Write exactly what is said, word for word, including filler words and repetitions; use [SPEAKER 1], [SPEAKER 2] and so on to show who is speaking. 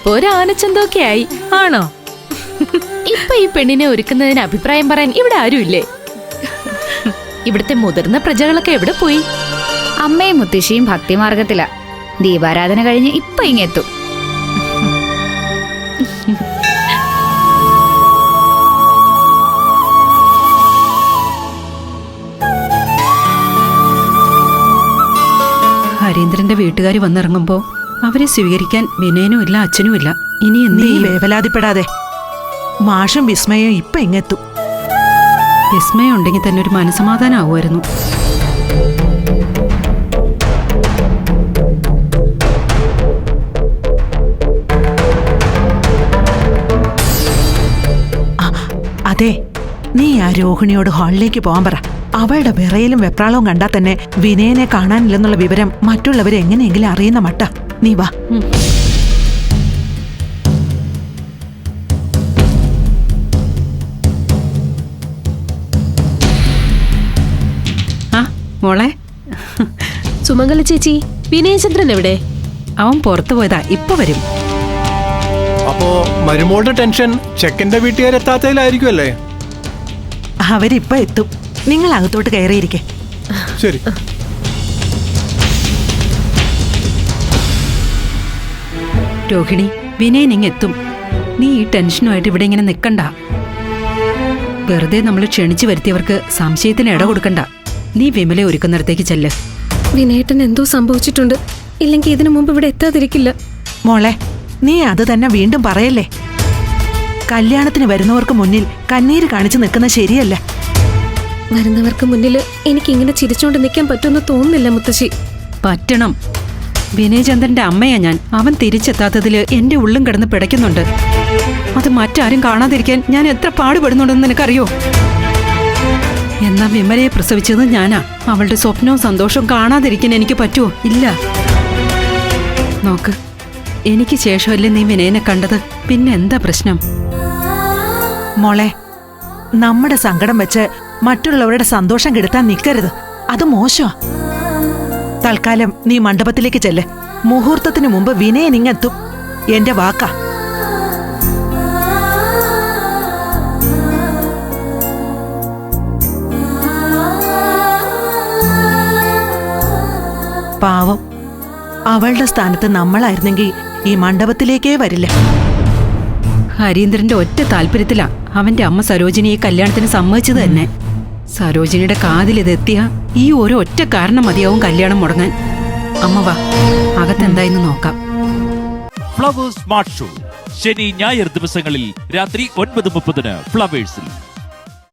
[SPEAKER 1] ഇപ്പൊ ഒരു ആനച്ചന്തൊക്കെ ആയി. ആണോ? ഇപ്പൊ ഈ പെണ്ണിനെ ഒരുക്കുന്നതിന് അഭിപ്രായം പറയാൻ ഇവിടെ ആരുമില്ലേ? ഇവിടുത്തെ മുതിർന്ന പ്രജകളൊക്കെ എവിടെ പോയി?
[SPEAKER 2] അമ്മയും മുത്തശ്ശിയും ഭക്തിമാർഗത്തിലാ. ദീപാരാധന കഴിഞ്ഞ് ഇപ്പൊ ഇങ്ങെത്തും.
[SPEAKER 3] ഹരീന്ദ്രന്റെ വീട്ടുകാർ വന്നിറങ്ങുമ്പോ അവരെ സ്വീകരിക്കാൻ വിനയനും ഇല്ല, അച്ഛനും ഇല്ല. ഇനി
[SPEAKER 4] നീ വേവലാതിപ്പെടാതെ. മാഷും വിസ്മയും ഇപ്പൊ ഇങ്ങെത്തും.
[SPEAKER 3] വിസ്മയം ഉണ്ടെങ്കിൽ തന്നെ ഒരു മനസമാധാനം ആവുമായിരുന്നു.
[SPEAKER 4] അതെ, നീ ആ രോഹിണിയോട് ഹാളിലേക്ക് പോകാൻ പറ. അവളുടെ വിറയിലും വെപ്രാളവും കണ്ടാൽ തന്നെ വിനയനെ കാണാനില്ലെന്നുള്ള വിവരം മറ്റുള്ളവരെ എങ്ങനെയെങ്കിലും അറിയുന്ന മട്ട. നീ വാ.
[SPEAKER 3] ആ മോളെ.
[SPEAKER 1] സുമംഗല ചേച്ചി, വിനയചന്ദ്രൻ എവിടെ?
[SPEAKER 3] അവൻ പുറത്തു പോയതാ, ഇപ്പൊ വരും.
[SPEAKER 5] അപ്പോ മരുമോളുടെ ടെൻഷൻ ചെക്കന്റെ വീട്ടുകാരെത്താത്തതിലായിരിക്കും അല്ലേ?
[SPEAKER 4] അവരിപ്പൊ എത്തും. നിങ്ങൾ അകത്തോട്ട് കയറിയിരിക്കെ.
[SPEAKER 5] ശരി.
[SPEAKER 3] രോഹിണി, വിനയൻ ഇങ്ങെത്തും. നീ ഈ ടെൻഷനുമായിട്ട് ഇവിടെ ഇങ്ങനെ നിക്കണ്ട. വെറുതെ നമ്മൾ ക്ഷണിച്ചു വരുത്തിയവർക്ക് സംശയത്തിന് ഇട കൊടുക്കണ്ട. നീ വിമലെ ഒരുക്കുന്നിടത്തേക്ക് ചെല്ല്.
[SPEAKER 6] വിനയേട്ടൻ എന്തോ സംഭവിച്ചിട്ടുണ്ട്. ഇല്ലെങ്കിൽ ഇതിനു മുമ്പ് ഇവിടെ എത്താതിരിക്കില്ല.
[SPEAKER 4] മോളെ, നീ അത് തന്നെ വീണ്ടും പറയല്ലേ. കല്യാണത്തിന് വരുന്നവർക്ക് മുന്നിൽ കണ്ണീര് കാണിച്ചു നിൽക്കുന്നത് ശരിയല്ല.
[SPEAKER 6] വരുന്നവർക്ക് മുന്നിൽ എനിക്ക് ഇങ്ങനെ ചിരിച്ചോണ്ട് നിൽക്കാൻ പറ്റുമെന്ന് തോന്നുന്നില്ല മുത്തശ്ശി.
[SPEAKER 3] പറ്റണം. വിനയചന്ദ്രന്റെ അമ്മയാ ഞാൻ. അവൻ തിരിച്ചെത്താത്തതില് എന്റെ ഉള്ളും കിടന്ന് പിടയ്ക്കുന്നുണ്ട്. അത് മറ്റാരും കാണാതിരിക്കാൻ ഞാൻ എത്ര പാടുപെടുന്നുണ്ടെന്ന് നിനക്കറിയോ? എന്നാ വിമലയെ പ്രസവിച്ചത് ഞാനാ. അവളുടെ സ്വപ്നവും സന്തോഷവും കാണാതിരിക്കാൻ എനിക്ക് പറ്റുമോ? ഇല്ല. നോക്ക്, എനിക്ക് ശേഷമല്ലേ നീ വിനയനെ കണ്ടത്. പിന്നെ എന്താ പ്രശ്നം?
[SPEAKER 4] മോളെ, നമ്മുടെ സങ്കടം വെച്ച് മറ്റുള്ളവരുടെ സന്തോഷം കെടുത്താൻ നിൽക്കരുത്. അത് മോശമാ. തൽക്കാലം നീ മണ്ഡപത്തിലേക്ക് ചെല്ല്. മുഹൂർത്തത്തിന് മുമ്പ് വിനയൻ ഇങ്ങെത്തും. എന്റെ വാക്കാ. പാവം, അവളുടെ സ്ഥാനത്ത് നമ്മളായിരുന്നെങ്കിൽ ഈ മണ്ഡപത്തിലേക്കേ വരില്ല.
[SPEAKER 3] ഹരീന്ദ്രന്റെ ഒറ്റ താല്പര്യത്തിലാ അവന്റെ അമ്മ സരോജിനിയെ കല്യാണത്തിന് സമ്മതിച്ചത് തന്നെ. സരോജിനിയുടെ കാതിലിതെത്തിയ ഈ ഒരു ഒറ്റ കാരണം മതിയാവും കല്യാണം മുടങ്ങാൻ. അമ്മ വാ, അകത്തെന്തായെന്ന് നോക്കാം.
[SPEAKER 7] ഫ്ലവേഴ്സ് സ്മാർട്ട് ഷോ ശനി ഞായർ ദിവസങ്ങളിൽ രാത്രി ഒൻപത് മുപ്പതിന് ഫ്ലവേഴ്സിൽ.